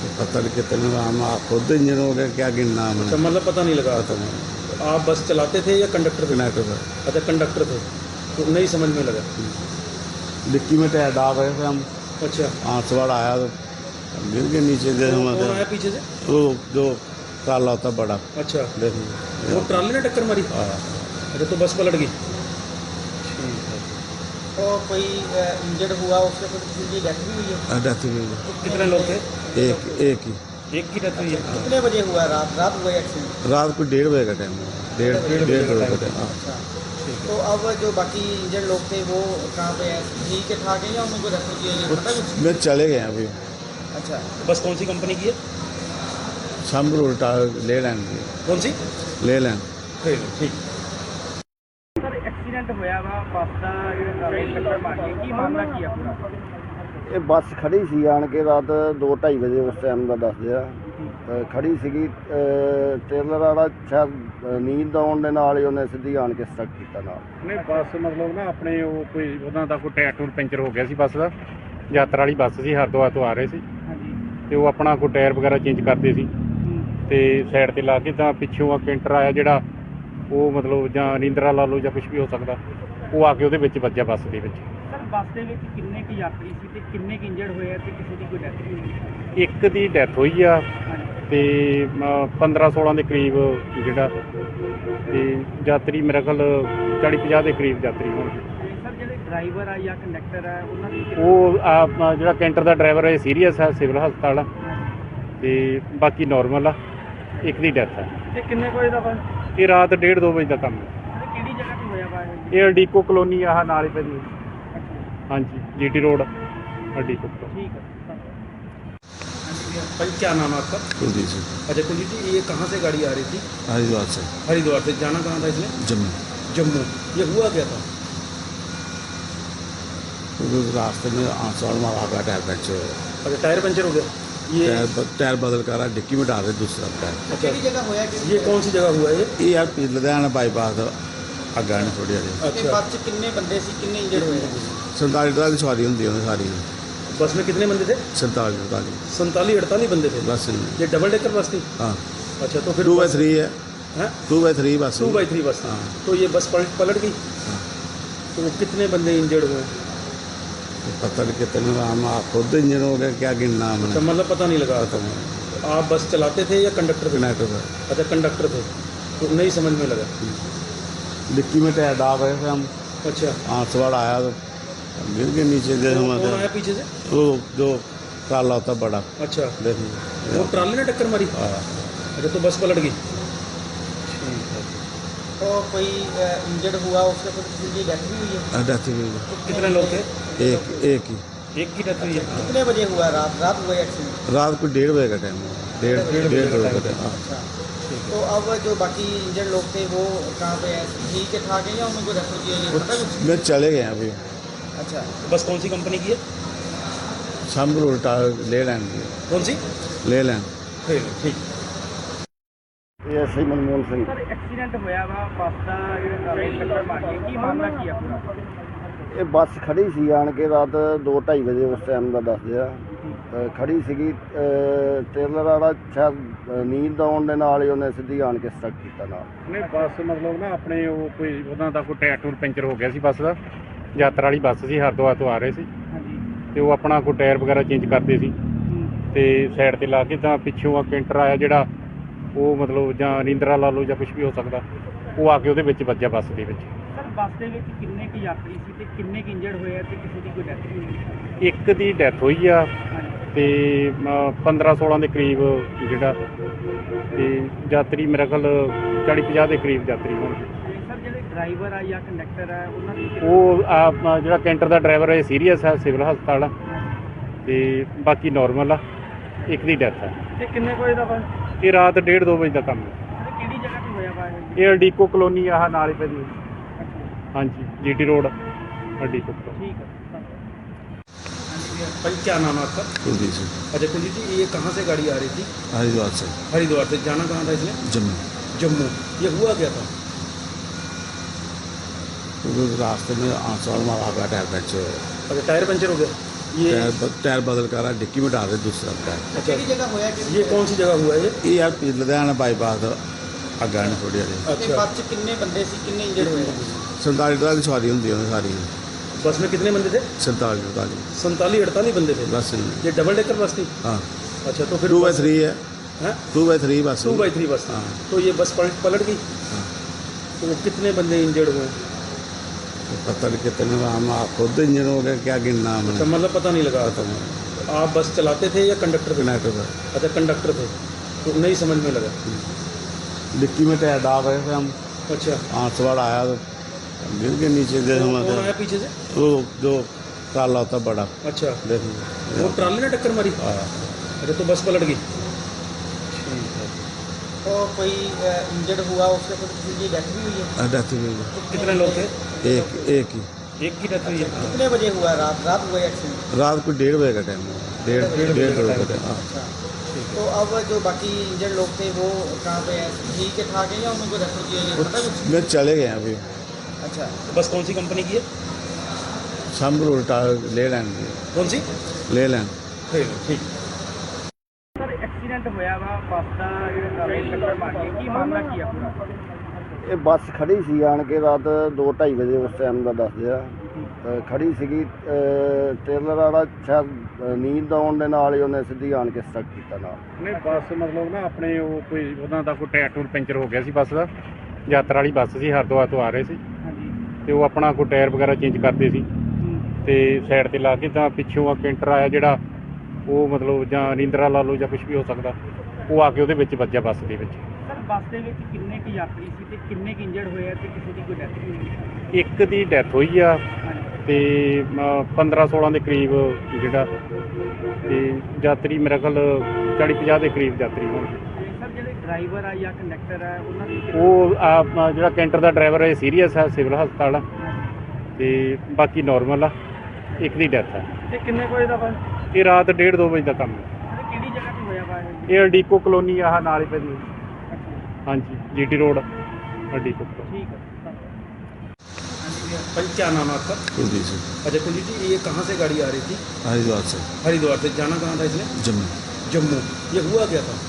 S4: पता नहीं कितने हम खुद इंजन हो गया क्या गिनना
S3: अच्छा
S4: हमने
S3: मतलब पता नहीं लगा
S4: पता नहीं
S3: आप बस चलाते थे या कंडक्टर थे?
S4: कनेक्टर था
S3: अच्छा कंडक्टर थे, तो नहीं समझ में लगा।
S4: डिक्की में टायर डाल रहे थे हम
S3: अच्छा
S4: आंसवाड़ आया तो गिर के नीचे गए
S3: कौन
S4: हम
S3: आया पीछे से?
S4: वो जो काला होता बड़ा
S3: अच्छा
S4: देखिए
S3: वो ट्राली ने टक्कर मारी?
S4: हाँ
S3: अच्छा तो बस पलट गई। ठीक है।
S2: और कोई इंजर्ड हुआ उससे कुछ किसी की डेथ भी हुई है?
S4: डेथ हुई है।
S3: कितने लोग थे?
S4: एक ही
S3: एक की डेथ हुई है।
S2: कितने बजे हुआ? रात हुआ एक्सीडेंट?
S4: रात को 1:30 बजे का टाइम है डेढ़ डेढ़ बजे का टाइम हाँ
S2: अच्छा, तो अब जो बाकी इंजर्ड लोग थे वो कहाँ पे हैं? ठीक है ठाक है या उनको रेफर किया गया, पता कुछ?
S4: मैं चले गए अभी
S2: अच्छा,
S3: बस कौन सी कंपनी की है?
S4: शाम को उल्टा ले लेंगे
S3: कौन सी?
S4: ले लें
S3: ठीक।
S2: ਸਰ ਐਕਸੀਡੈਂਟ ਹੋਇਆ ਵਾ ਬੱਸ ਦਾ ਜਿਹੜਾ ਟੱਕਰ ਮਾਰੀ ਕੀ ਮਾਮਲਾ ਕੀ ਆ ਪੂਰਾ?
S5: ਇਹ ਬੱਸ ਖੜੀ ਸੀ ਆਣ ਕੇ ਰਾਤ 2:30 ਵਜੇ ਉਸ ਟਾਈਮ ਦਾ ਦੱਸਦੇ ਆ ਖੜੀ ਸੀਗੀ ਟ੍ਰੇਲਰ ਵਾਲਾ ਸ਼ਾਇਦ ਨੀਂਦ ਆਉਣ ਦੇ ਨਾਲ ਹੀ ਉਹਨੇ ਸਿੱਧੀ ਆਣ ਕੇ ਸਟਕ ਕੀਤਾ ਨਾਲ।
S1: ਨਹੀਂ ਬੱਸ ਮਤਲਬ ਨਾ ਆਪਣੇ ਉਹ ਕੋਈ ਉਹਨਾਂ ਦਾ ਕੋਈ ਟਾਇਰ ਟੂਰ ਪੈਂਚਰ ਹੋ ਗਿਆ ਸੀ ਬੱਸ ਦਾ। ਯਾਤਰਾ ਵਾਲੀ ਬੱਸ ਸੀ, ਹਰਿਦੁਆਰ ਤੋਂ ਆ ਰਹੇ ਸੀ
S2: ਹਾਂਜੀ।
S1: ਤੇ ਉਹ ਆਪਣਾ ਕੋਈ ਟਾਇਰ ਵਗੈਰਾ ਚੇਂਜ ਕਰਦੇ ਸੀ ਤੇ ਸਾਈਡ ਤੇ ਲਾ ਕੇ ਤਾਂ ਪਿੱਛੋਂ ਆ ਕੈਂਟਰ ਆਇਆ ਜਿਹੜਾ ਉਹ ਮਤਲਬ ਜਾਂ ਨੀਂਦਰਾ ਲਾ ਲਓ ਜਾਂ ਕੁਝ ਵੀ ਹੋ ਸਕਦਾ, ਉਹ ਆ ਕੇ ਉਹਦੇ ਵਿੱਚ ਵੱਜਿਆ ਬੱਸ ਦੇ ਵਿੱਚ।
S2: ਸਰ ਬੱਸ ਦੇ ਵਿੱਚ ਕਿੰਨੇ ਕੁ ਯਾਤਰੀ ਸੀ ਤੇ ਕਿੰਨੇ ਕੁ ਇੰਜਰਡ ਹੋਏ ਆ ਤੇ ਕਿਸੇ ਦੀ ਕੋਈ ਡੈਥ ਵੀ ਹੋਈ?
S1: ਇੱਕ ਦੀ ਡੈਥ ਹੋਈ ਆ ਤੇ 15-16 ਦੇ ਕਰੀਬ ਜਿਹੜਾ ਤੇ ਯਾਤਰੀ ਮੇਰਾ ਖਿਆਲ 40-50 ਦੇ ਕਰੀਬ ਯਾਤਰੀ ਹੋਣਗੇ।
S2: ਸਰ ਜਿਹੜੇ ਡਰਾਈਵਰ ਆ ਜਾਂ ਕੰਡਕਟਰ ਆ ਉਹਨਾਂ ਦੀ
S1: ਉਹ ਜਿਹੜਾ ਕੈਂਟਰ ਦਾ ਡਰਾਈਵਰ ਹੈ ਸੀਰੀਅਸ ਹੈ, ਸਿਵਲ ਹਸਪਤਾਲ ਆ ਤੇ ਬਾਕੀ ਨਾਰਮਲ ਆ। ਇੱਕ ਦੀ ਡੈਥ ਹੈ।
S2: ਤੇ ਕਿੰਨੇ ਕੋਈ ਦਾ ਵਾ?
S1: ਇਹ ਰਾਤ 1:30-2 ਵਜੇ ਦਾ ਕੰਮ ਹੈ।
S2: ਕਿਹੜੀ ਜਗ੍ਹਾ ਤੇ ਹੋਇਆ ਵਾ ਇਹ?
S1: ਇਹ ਅਡੀਕੋ ਕਲੋਨੀ ਆਹ ਨਾਲ ਹੀ ਪੈਂਦੀ ਹਾਂਜੀ GT रोड अडीको।
S2: ठीक है।
S3: भाई क्या नाम है आपका?
S4: कुलदीप सिंह
S3: अच्छा कुलजीत जी, ये कहाँ से गाड़ी आ रही थी?
S4: हरिद्वार से
S3: हरिद्वार से। जाना कहाँ था इसने?
S4: जम्मू
S3: जम्मू। ये हुआ क्या था?
S4: क्योंकि रास्ते में आंसवाड़ मारा का टायर पंचर हो गया
S3: अच्छा टायर पंचर हो गया ये?
S4: टायर बदल कर डिक्की में डाल रहे दूसरा टायर
S3: अच्छा
S2: ਕਿਹੜੀ ਜਗ੍ਹਾ ਹੋਇਆ ਕਿ
S3: ये कौन सी जगह हुआ है ये?
S4: ये यार लुधियाना बाईपास अग्गा नहीं थोड़ी हारी
S2: ਤੇ
S3: अच्छा
S2: ਬੱਸ 'ਚ ਕਿੰਨੇ ਬੰਦੇ ਸੀ, ਕਿੰਨੇ ਇੰਜਰਡ ਹੋਏ?
S4: 47 की सवारी होंगी उन्हें सारी
S3: बस में कितने बंदे थे?
S4: 47
S3: 47-48 बंदे थे।
S4: बस
S3: ये डबल डेकर बस थी?
S4: हाँ
S3: अच्छा तो फिर
S4: 2/3 है
S3: हैं?
S4: 2/3 बस
S3: 2/3 बस थी।
S4: हाँ।
S3: तो ये बस पलट गई।
S4: हाँ।
S3: तो कितने बंदे इंजर्ड हुए?
S4: पता नहीं कितने हम खुद इंजन हो गया क्या गिनना
S3: अच्छा
S4: हमने
S3: मतलब पता नहीं लगा।
S4: पता नहीं
S3: आप बस चलाते थे या कंडक्टर थे?
S4: कनेक्टर था
S3: अच्छा कंडक्टर थे, तो नहीं समझ में लगा।
S4: डिक्की में टायर डाल रहे थे हम
S3: अच्छा
S4: आंसवाड़ आया तो गिर के नीचे गए हम
S3: कौन आया पीछे से?
S4: वो जो काला होता बड़ा
S3: अच्छा
S4: देखिए
S3: वो ट्राली ने टक्कर मारी?
S4: हाँ
S3: अच्छा तो बस पलट गई। ठीक है।
S2: और कोई इंजर्ड हुआ उससे कुछ किसी की डेथ भी हुई है?
S4: डेथ हुई है।
S3: कितने लोग थे?
S4: एक ही
S3: एक की डेथ हुई है।
S2: कितने बजे हुआ? रात हुआ एक्सीडेंट?
S4: रात को 1:30 बजे का टाइम है डेढ़ बजे का टाइम हाँ
S2: अच्छा, तो अब जो बाकी इंजर्ड लोग थे वो कहाँ पे हैं? ठीक है ठाक है या उनको रेफर किया गया, पता कुछ?
S4: मैं चले गए अभी
S2: अच्छा,
S3: बस कौन सी कंपनी की है?
S4: शाम को उल्टा ले लेंगे
S3: कौन सी?
S4: ले लें
S3: ठीक।
S5: ਇਹ SI Manmohan Singh
S2: sir accident ਹੋਇਆ ਵਾ ਬੱਸ ਦਾ ਜਿਹੜਾ ਟੱਕਰ ਮਾਰੀ ਕੀ ਮਾਮਲਾ ਕੀ ਆ ਪੂਰਾ?
S5: ਇਹ ਬੱਸ ਖੜੀ ਸੀ ਆਣ ਕੇ ਰਾਤ 2:30 ਵਜੇ ਉਸ ਟਾਈਮ ਦਾ ਦੱਸਦੇ ਆ ਖੜੀ ਸੀਗੀ ਟ੍ਰੇਲਰ ਵਾਲਾ ਸ਼ਾਇਦ ਨੀਂਦ ਆਉਣ ਦੇ ਨਾਲ ਹੀ ਉਹਨੇ ਸਿੱਧੀ ਆਣ ਕੇ ਸਟਕ ਕੀਤਾ ਨਾਲ।
S1: ਨਹੀਂ ਬੱਸ ਮਤਲਬ ਨਾ ਆਪਣੇ ਉਹ ਕੋਈ ਉਹਨਾਂ ਦਾ ਕੋਈ ਟਾਇਰ ਟੂਰ ਪੈਂਚਰ ਹੋ ਗਿਆ ਸੀ ਬੱਸ ਦਾ। ਯਾਤਰਾ ਵਾਲੀ ਬੱਸ ਸੀ, ਹਰਿਦੁਆਰ ਤੋਂ ਆ ਰਹੇ ਸੀ
S2: ਹਾਂਜੀ।
S1: ਤੇ ਉਹ ਆਪਣਾ ਕੋਈ ਟਾਇਰ ਵਗੈਰਾ ਚੇਂਜ ਕਰਦੇ ਸੀ ਤੇ ਸਾਈਡ ਤੇ ਲਾ ਕੇ ਤਾਂ ਪਿੱਛੋਂ ਆ ਕੈਂਟਰ ਆਇਆ ਜਿਹੜਾ ਉਹ ਮਤਲਬ ਜਾਂ ਨੀਂਦਰਾ ਲਾ ਲਓ ਜਾਂ ਕੁਝ ਵੀ ਹੋ ਸਕਦਾ, ਉਹ ਆ ਕੇ ਉਹਦੇ ਵਿੱਚ ਵੱਜਿਆ ਬੱਸ ਦੇ ਵਿੱਚ।
S2: ਸਰ ਬੱਸ ਦੇ ਵਿੱਚ ਕਿੰਨੇ ਕੁ ਯਾਤਰੀ ਸੀ ਤੇ ਕਿੰਨੇ ਕੁ ਇੰਜਰਡ ਹੋਏ ਆ ਤੇ ਕਿਸੇ ਦੀ ਕੋਈ ਡੈਥ ਵੀ ਹੋਈ?
S1: ਇੱਕ ਦੀ ਡੈਥ ਹੋਈ ਆ ਤੇ 15-16 ਦੇ ਕਰੀਬ ਜਿਹੜਾ ਤੇ ਯਾਤਰੀ ਮੇਰਾ ਖਿਆਲ 40-50 ਦੇ ਕਰੀਬ ਯਾਤਰੀ ਹੋਣਗੇ।
S2: ਸਰ ਜਿਹੜੇ ਡਰਾਈਵਰ ਆ ਜਾਂ ਕੰਡਕਟਰ ਆ ਉਹਨਾਂ ਦੀ
S1: ਉਹ ਜਿਹੜਾ ਕੈਂਟਰ ਦਾ ਡਰਾਈਵਰ ਹੈ ਸੀਰੀਅਸ ਹੈ, ਸਿਵਲ ਹਸਪਤਾਲ ਆ ਤੇ ਬਾਕੀ ਨਾਰਮਲ ਆ। ਇੱਕ ਦੀ ਡੈਥ ਹੈ।
S2: ਤੇ ਕਿੰਨੇ ਕੋਈ ਦਾ ਵਾ?
S1: ਇਹ ਰਾਤ 1:30-2 ਵਜੇ ਦਾ ਕੰਮ ਹੈ।
S2: ਕਿਹੜੀ ਜਗ੍ਹਾ ਤੇ ਹੋਇਆ ਵਾ ਇਹ?
S1: ਇਹ ਅਡੀਕੋ ਕਲੋਨੀ ਆਹ ਨਾਲ ਹੀ ਪੈਂਦੀ ਹਾਂਜੀ GT रोड अडीको।
S2: ठीक है।
S3: भाई क्या नाम है आपका?
S4: कुलदीप सिंह
S3: अच्छा कुलजीत जी, ये कहाँ से गाड़ी आ रही थी?
S4: हरिद्वार से
S3: हरिद्वार से। जाना कहाँ था इसने?
S4: जम्मू
S3: जम्मू। ये हुआ क्या था?
S4: क्योंकि रास्ते में आंसवाड़ मारा का टायर पंचर हो गया
S3: अच्छा टायर पंचर हो गया ये
S4: टायर बदल कर डिक्की में डाल रहे दूसरा टायर।
S2: ਕਿਹੜੀ ਜਗ੍ਹਾ ਹੋਇਆ
S3: ये कौन सी जगह हुआ है ये?
S4: ये यार लुधियाना बाईपास अग्गा ने थोड़ी हारी
S2: ਤੇ
S3: अच्छा,
S2: ਬੱਸ 'ਚ ਕਿੰਨੇ ਬੰਦੇ ਸੀ ਕਿੰਨੇ ਇੰਜਰਡ ਹੋਏ
S4: 47 टायर की सवारी होंगी सारी
S3: बस में कितने बंदे थे?
S4: 47 48
S3: 47-48 बंदे थे।
S4: बस
S3: ये डबल डेकर बस थी?
S4: हाँ
S3: अच्छा, तो फिर
S4: 2/3 है
S3: हैं?
S4: 2/3 बस
S3: 2/3 बस थी।
S4: हाँ।
S3: तो ये बस पलट गई।
S4: हाँ।
S3: तो वो कितने बंदे इंजर्ड हुए?
S4: पता नहीं कितने हम खुद इंजन हो गया क्या गिनना
S3: अच्छा,
S4: हमने
S3: मतलब पता नहीं लगा।
S4: पता नहीं
S3: आप बस चलाते थे या कंडक्टर थे?
S4: कनेक्टर था
S3: अच्छा, कंडक्टर थे, तो नहीं समझ में लगा।
S4: डिक्की में टायर डाल रहे थे हम
S3: अच्छा,
S4: सवार आया तो गिर के नीचे दे
S3: कौन
S4: हमारे
S3: आया पीछे से?
S4: वो जो काला होता बड़ा
S3: अच्छा,
S4: देखिए
S3: वो ट्राली ने टक्कर मारी?
S4: हाँ
S3: अच्छा, तो बस पलट गई। ठीक है।
S2: तो कोई इंजर्ड हुआ उसके बाद किसी की डेथ भी हुई है
S4: डेथ हुई है।
S3: तो कितने लोग थे?
S4: एक ही
S3: एक की डेथ हुई है।
S2: कितने बजे हुआ रात हुआ एक्सीडेंट
S4: रात को 1:30 बजे का टाइम है डेढ़
S3: डेढ़ बजे
S4: डेढ़
S3: का
S4: बजे का
S3: टाइम।
S4: टाइम हाँ।
S2: अच्छा तो अब जो बाकी इंजर्ड लोग थे वो कहाँ पे हैं ठीक है ठाक है या उनको रेफर किया गया पता कुछ
S4: मैं चले गए अभी
S2: अच्छा
S3: बस कौन सी कंपनी की है?
S4: शामपुर उल्टा ले लैंड
S3: कौन सी?
S4: ले लैंड
S3: ठीक।
S2: ਸਰ ਐਕਸੀਡੈਂਟ ਹੋਇਆ ਵਾ ਬੱਸ ਦਾ ਜਿਹੜਾ ਟਰਾਲੇ ਨੂੰ ਟੱਕਰ ਮਾਰ ਗਈ ਕੀ ਮਾਮਲਾ ਕੀ ਆ ਪੂਰਾ
S5: ਇਹ ਬੱਸ ਖੜੀ ਸੀ ਆਣ ਕੇ ਰਾਤ 2:30 ਵਜੇ ਉਸ ਟਾਈਮ ਦਾ ਦੱਸਦੇ ਆ ਖੜੀ ਸੀਗੀ ਟ੍ਰੇਲਰ ਵਾਲਾ ਸ਼ਾਇਦ ਨੀਂਦ ਆਉਣ ਦੇ ਨਾਲ ਹੀ ਉਹਨੇ ਸਿੱਧੀ ਆਣ ਕੇ ਸਟਕ ਕੀਤਾ ਨਾਲ
S1: ਨਹੀਂ ਬੱਸ ਮਤਲਬ ਨਾ ਆਪਣੇ ਉਹ ਕੋਈ ਉਹਨਾਂ ਦਾ ਕੋਈ ਟਾਇਰ ਟੂਰ ਪੈਂਚਰ ਹੋ ਗਿਆ ਸੀ ਬੱਸ ਦਾ ਯਾਤਰਾ ਵਾਲੀ ਬੱਸ ਸੀ ਹਰਿਦੁਆਰ ਤੋਂ ਆ ਰਹੇ ਸੀ
S2: ਹਾਂਜੀ
S1: ਤੇ ਉਹ ਆਪਣਾ ਕੋਈ ਟਾਇਰ ਵਗੈਰਾ ਚੇਂਜ ਕਰਦੇ ਸੀ ਤੇ ਸਾਈਡ ਤੇ ਲਾ ਕੇ ਤਾਂ ਪਿੱਛੋਂ ਆ ਕੈਂਟਰ ਆਇਆ ਜਿਹੜਾ ਉਹ ਮਤਲਬ ਜਾਂ ਨੀਂਦਰਾ ਲਾ ਲਓ ਜਾਂ ਕੁਝ ਵੀ ਹੋ ਸਕਦਾ ਉਹ ਆ ਕੇ ਉਹਦੇ ਵਿੱਚ ਵੱਜਿਆ ਬੱਸ ਦੇ ਵਿੱਚ
S2: ਸਰ ਬੱਸ ਦੇ ਵਿੱਚ ਕਿੰਨੇ ਕੁ ਯਾਤਰੀ ਸੀ ਤੇ ਕਿੰਨੇ ਕੁ ਇੰਜਰਡ ਹੋਏ ਆ ਤੇ ਕਿਸੇ ਦੀ ਕੋਈ ਡੈਥ ਵੀ ਹੋਈ
S1: ਇੱਕ ਦੀ ਡੈਥ ਹੋਈ ਆ ਤੇ 15-16 ਦੇ ਕਰੀਬ ਜਿਹੜਾ ਤੇ ਯਾਤਰੀ ਮੇਰੇ ਖਿਆਲ 40-50 ਦੇ ਕਰੀਬ ਯਾਤਰੀ ਹੋਣਗੇ
S2: ਤੇ ਸਰ ਜਿਹੜੇ ਡਰਾਈਵਰ ਆ ਜਾਂ ਕੰਡਕਟਰ ਆ ਉਹਨਾਂ ਦੀ
S1: ਉਹ ਜਿਹੜਾ ਕੈਂਟਰ ਦਾ ਡਰਾਈਵਰ ਹੈ ਸੀਰੀਅਸ ਹੈ ਸਿਵਲ ਹਸਪਤਾਲ ਆ ਤੇ ਬਾਕੀ ਨਾਰਮਲ ਆ ਇੱਕ ਦੀ ਡੈਥ ਹੈ
S2: ਤੇ ਕਿੰਨੇ ਵਜੇ ਦਾ ਵਾ
S1: ਇਹ ਰਾਤ 1:30-2 ਵਜੇ ਦਾ ਕੰਮ ਹੈ
S2: ਕਿਹੜੀ ਜਗ੍ਹਾ ਤੇ ਹੋਇਆ ਵਾ
S1: ਇਹ ਅਡੀਕੋ ਕਲੋਨੀ ਆਹ ਨਾਲ ਹੀ ਪੈਂਦੀ ਹਾਂਜੀ जीटी रोड अडीको
S2: ਠੀਕ ਹੈ
S3: भाई क्या नाम है आपका?
S4: कुलदीप सिंह
S3: अच्छा कुलजीत जी, ये कहाँ से गाड़ी आ रही थी?
S4: हरिद्वार से
S3: हरिद्वार से। जाना कहाँ था इसने?
S4: जम्मू
S3: जम्मू। ये हुआ क्या था?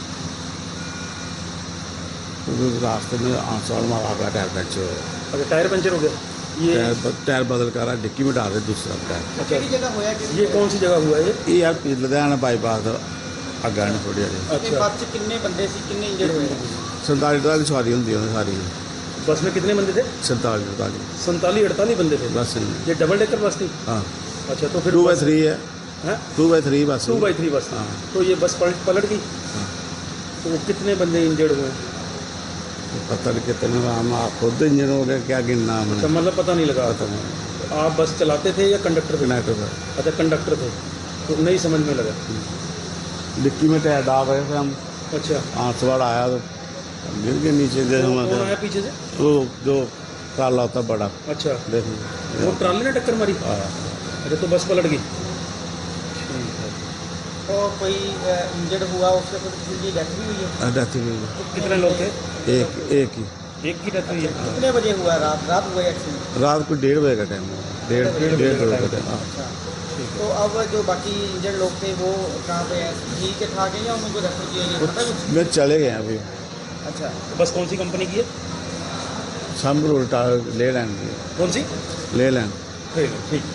S4: रास्ते में आंसवाड़ मारा का टायर पंचर हुआ
S3: अच्छा, टायर पंचर हो गया। ये
S4: टायर बदल कर डिक्की में डाल रहे दूसरा टायर।
S3: अच्छा,
S2: ਕਿਹੜੀ ਜਗ੍ਹਾ ਹੋਇਆ ਕਿ
S3: ये कौन सी जगह हुआ है ये?
S4: ये यार लुधियाना बाईपास अग्गा ने थोड़ी हारी
S2: ਤੇ
S3: अच्छा,
S2: ਬੱਸ 'ਚ ਕਿੰਨੇ ਬੰਦੇ ਸੀ ਕਿੰਨੇ ਇੰਜਰਡ ਹੋਏ
S4: 47 टायर की सवारी होंगी सारी
S3: बस में कितने बंदे थे?
S4: 47 48
S3: 47-48 बंदे थे।
S4: बस
S3: ये डबल डेकर बस थी?
S4: हाँ
S3: अच्छा, तो फिर
S4: 2/3 है
S3: हैं?
S4: 2/3 बस
S3: 2/3 बस थी।
S4: हाँ।
S3: तो ये बस पलट गई।
S4: हाँ।
S3: तो वो कितने बंदे इंजर्ड हुए?
S4: पता नहीं कितने हम खुद इंजन हो गया क्या गिनना
S3: अच्छा,
S4: हमने
S3: मतलब पता नहीं लगा।
S4: पता नहीं
S3: आप बस चलाते थे या कंडक्टर थे?
S4: कनेक्टर था
S3: अच्छा, कंडक्टर थे, तो नहीं समझ में लगा।
S4: डिक्की में टायर डाल रहे थे हम
S3: अच्छा,
S4: सवार आया तो गिर के नीचे दे
S3: कौन
S4: हमारे
S3: आया पीछे से?
S4: वो जो काला होता बड़ा
S3: अच्छा,
S4: देखिए
S3: वो ट्राली ने टक्कर मारी?
S4: हाँ
S3: अच्छा, तो बस पलट गई। ठीक है।
S2: तो कोई इंजर्ड हुआ उसके बाद किसी की डेथ भी हुई है
S4: डेथ हुई है।
S3: तो कितने लोग थे?
S4: एक ही
S3: एक की डेथ हुई है।
S2: कितने बजे हुआ रात हुआ एक्सीडेंट
S4: रात को 1:30 बजे का टाइम है डेढ़ बजे का टाइम हाँ।
S2: अच्छा तो अब जो बाकी इंजर्ड लोग थे वो कहाँ पे हैं ठीक है ठाक है या उनको रेफर किया गया पता कुछ
S4: मैं चले गए अभी
S2: अच्छा
S3: तो बस कौन सी कंपनी की है?
S4: शामपुर उल्टा ले लैंड
S3: कौन सी?
S4: ले लैंड
S3: ठीक।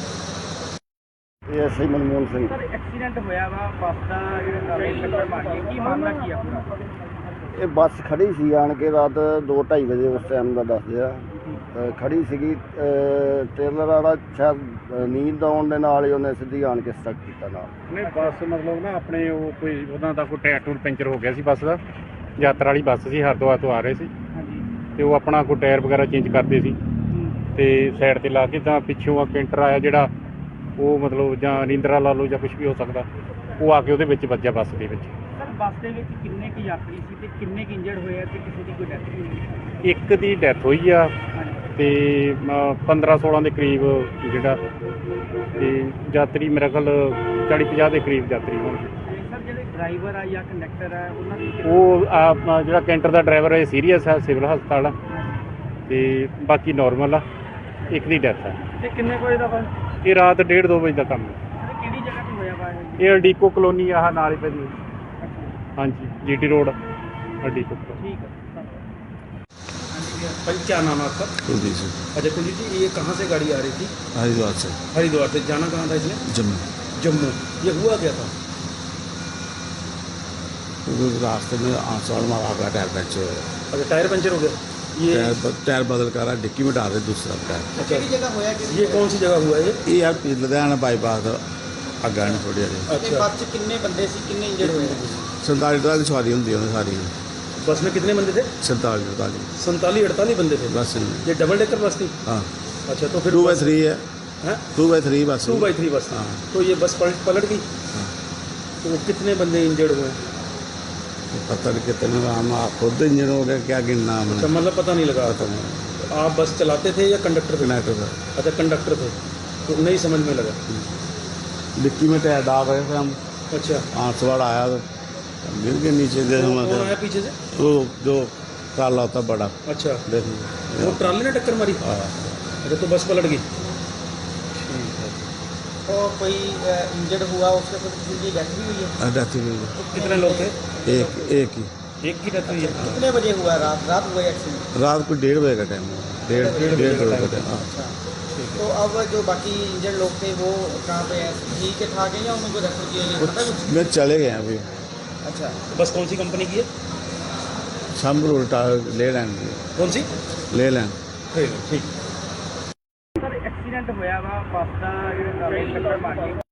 S5: ਇਹ SI Manmohan Singh
S2: sir accident ਹੋਇਆ ਵਾ ਬੱਸ ਦਾ ਜਿਹੜਾ ਟਰਾਲੇ ਨੂੰ ਟੱਕਰ ਮਾਰ ਗਈ ਕੀ ਮਾਮਲਾ ਕੀ ਆ ਪੂਰਾ
S5: ਇਹ ਬੱਸ ਖੜੀ ਸੀ ਆਣ ਕੇ ਰਾਤ 2:30 ਵਜੇ ਉਸ ਟਾਈਮ ਦਾ ਦੱਸਦੇ ਆ ਖੜੀ ਸੀਗੀ ਟ੍ਰੇਲਰ ਵਾਲਾ ਸ਼ਾਇਦ ਨੀਂਦ ਆਉਣ ਦੇ ਨਾਲ ਹੀ ਉਹਨੇ ਸਿੱਧੀ ਆਣ ਕੇ ਸਟਕ ਕੀਤਾ ਨਾਲ
S1: ਨਹੀਂ ਬੱਸ ਮਤਲਬ ਨਾ ਆਪਣੇ ਉਹ ਕੋਈ ਉਹਨਾਂ ਦਾ ਕੋਈ ਟਾਇਰ ਟੂਰ ਪੈਂਚਰ ਹੋ ਗਿਆ ਸੀ ਬੱਸ ਦਾ ਯਾਤਰਾ ਵਾਲੀ ਬੱਸ ਸੀ ਹਰਿਦੁਆਰ ਤੋਂ ਆ ਰਹੇ ਸੀ
S2: ਹਾਂਜੀ
S1: ਤੇ ਉਹ ਆਪਣਾ ਕੋਈ ਟਾਇਰ ਵਗੈਰਾ ਚੇਂਜ ਕਰਦੇ ਸੀ ਤੇ ਸਾਈਡ ਤੇ ਲਾ ਕੇ ਤਾਂ ਪਿੱਛੋਂ ਆ ਕੈਂਟਰ ਆਇਆ ਜਿਹੜਾ ਉਹ ਮਤਲਬ ਜਾਂ ਨੀਂਦਰਾ ਲਾ ਲਓ ਜਾਂ ਕੁਝ ਵੀ ਹੋ ਸਕਦਾ ਉਹ ਆ ਕੇ ਉਹਦੇ ਵਿੱਚ ਵੱਜਿਆ ਬੱਸ ਦੇ ਵਿੱਚ
S2: ਸਰ ਬੱਸ ਦੇ ਵਿੱਚ ਕਿੰਨੇ ਕੁ ਯਾਤਰੀ ਸੀ ਤੇ ਕਿੰਨੇ ਕੁ ਇੰਜਰਡ ਹੋਏ ਆ ਤੇ ਕਿਸੇ ਦੀ ਕੋਈ ਡੈਥ ਵੀ ਹੋਈ
S1: ਇੱਕ ਦੀ ਡੈਥ ਹੋਈ ਆ ਤੇ 15-16 ਦੇ ਕਰੀਬ ਜਿਹੜਾ ਤੇ ਯਾਤਰੀ ਮੇਰੇ ਖਿਆਲ 40-50 ਦੇ ਕਰੀਬ ਯਾਤਰੀ ਹੋਣਗੇ
S2: ਤੇ ਸਰ ਜਿਹੜੇ ਡਰਾਈਵਰ ਆ ਜਾਂ ਕੰਡਕਟਰ ਆ ਉਹਨਾਂ ਦੀ
S1: ਉਹ ਜਿਹੜਾ ਕੈਂਟਰ ਦਾ ਡਰਾਈਵਰ ਹੈ ਸੀਰੀਅਸ ਹੈ ਸਿਵਲ ਹਸਪਤਾਲ ਆ ਤੇ ਬਾਕੀ ਨਾਰਮਲ ਆ ਇੱਕ ਦੀ ਡੈਥ ਹੈ
S2: ਤੇ ਕਿੰਨੇ ਵਜੇ ਦਾ ਵਾ
S1: ਇਹ ਰਾਤ 1:30-2 ਵਜੇ ਦਾ ਕੰਮ ਹੈ
S2: ਕਿਹੜੀ ਜਗ੍ਹਾ
S1: ਇਹ ਅਡੀਕੋ ਕਲੋਨੀ ਆਹ ਨਾਲ ਹੀ ਪੈਂਦੀ ਹੈ। ਹਾਂਜੀ ਜੀਟੀ ਰੋਡ ਅਡੀਕੋ ਕਲੋਨੀ।
S2: ठीक है।
S3: भाई क्या नाम है आपका?
S4: कुलदीप सिंह,
S3: अच्छा कुलदीप जी, ये कहाँ से गाड़ी आ रही थी?
S4: हरिद्वार से
S3: हरिद्वार से। जाना कहाँ था इसने?
S4: जम्मू।
S3: जम्मू। ये हुआ क्या था?
S4: क्योंकि रास्ते में आसवाड़ में आपका टायर पंचर हुआ।
S3: अच्छा टायर पंचर हो गया ये?
S4: टायर बदल कर रहा, डिक्की में डाल रहे दूसरा टायर।
S3: अच्छा
S2: किहड़ी जगह होया कि
S3: ये कौन सी जगह हुआ है ये?
S4: ये यार लुधियाना बाईपास अग्गा ने थोड़ी हारी
S2: ते बस च किन्ने बंदे सी, किन्ने इंजर्ड होए?
S4: 47 सवारी होंगी उन्हें सारी
S3: बस में कितने बंदे थे?
S4: 47
S3: 47-48 बंदे थे
S4: बस
S3: ये डबल डेकर बस थी?
S4: हाँ
S3: अच्छा तो फिर
S4: 2x3 है,
S3: हैं?
S4: 2x3 बस
S3: 2x3 बस थी।
S4: हाँ।
S3: तो ये बस पलट गई।
S4: हाँ।
S3: तो कितने बंदे इंजर्ड हुए?
S4: पता नहीं कितने हम खुद इंजन हो गया क्या गिनना
S3: अच्छा
S4: हमने
S3: मतलब पता नहीं लगा।
S4: पता नहीं
S3: आप बस चलाते थे या कंडक्टर थे?
S4: कनेक्टर था
S3: अच्छा कंडक्टर थे तो नहीं समझ में लगा।
S4: डिक्की में टायर डाल रहे थे हम,
S3: अच्छा
S4: आसवाड़ आया तो गिर के नीचे दे
S3: कौन आया पीछे से?
S4: वो जो काला होता बड़ा
S3: अच्छा
S4: देखो
S3: वो ट्राली ने टक्कर मारी?
S4: हाँ।
S3: अच्छा तो बस पलट गई।
S2: और कोई इंजर्ड हुआ उसके बाद किसी की डेथ भी हुई है?
S4: डेथ हुई है।
S3: कितने लोग थे?
S4: एक ही
S3: एक की डेथ हुई है।
S2: कितने बजे हुआ? रात हुआ एक्सीडेंट?
S4: रात को 1:30 बजे का टाइम डेढ़ बजे का टाइम। हाँ।
S2: अच्छा। तो अब जो बाकी इंजर्ड लोग थे वो कहाँ पे हैं? ठीक है ठाक है या उनको रेफर किया गया, पता कुछ?
S4: मैं चले गए अभी
S2: अच्छा।
S3: बस कौन सी कंपनी की है?
S4: शाम को उल्टा ले लैंड
S3: कौन सी?
S4: ले लैंड
S3: ठीक।
S2: ਸਰ ਐਕਸੀਡੈਂਟ ਹੋਇਆ ਵਾ ਬੱਸ ਦਾ ਜਿਹੜਾ ਟੱਕਰ ਮਾਰੀ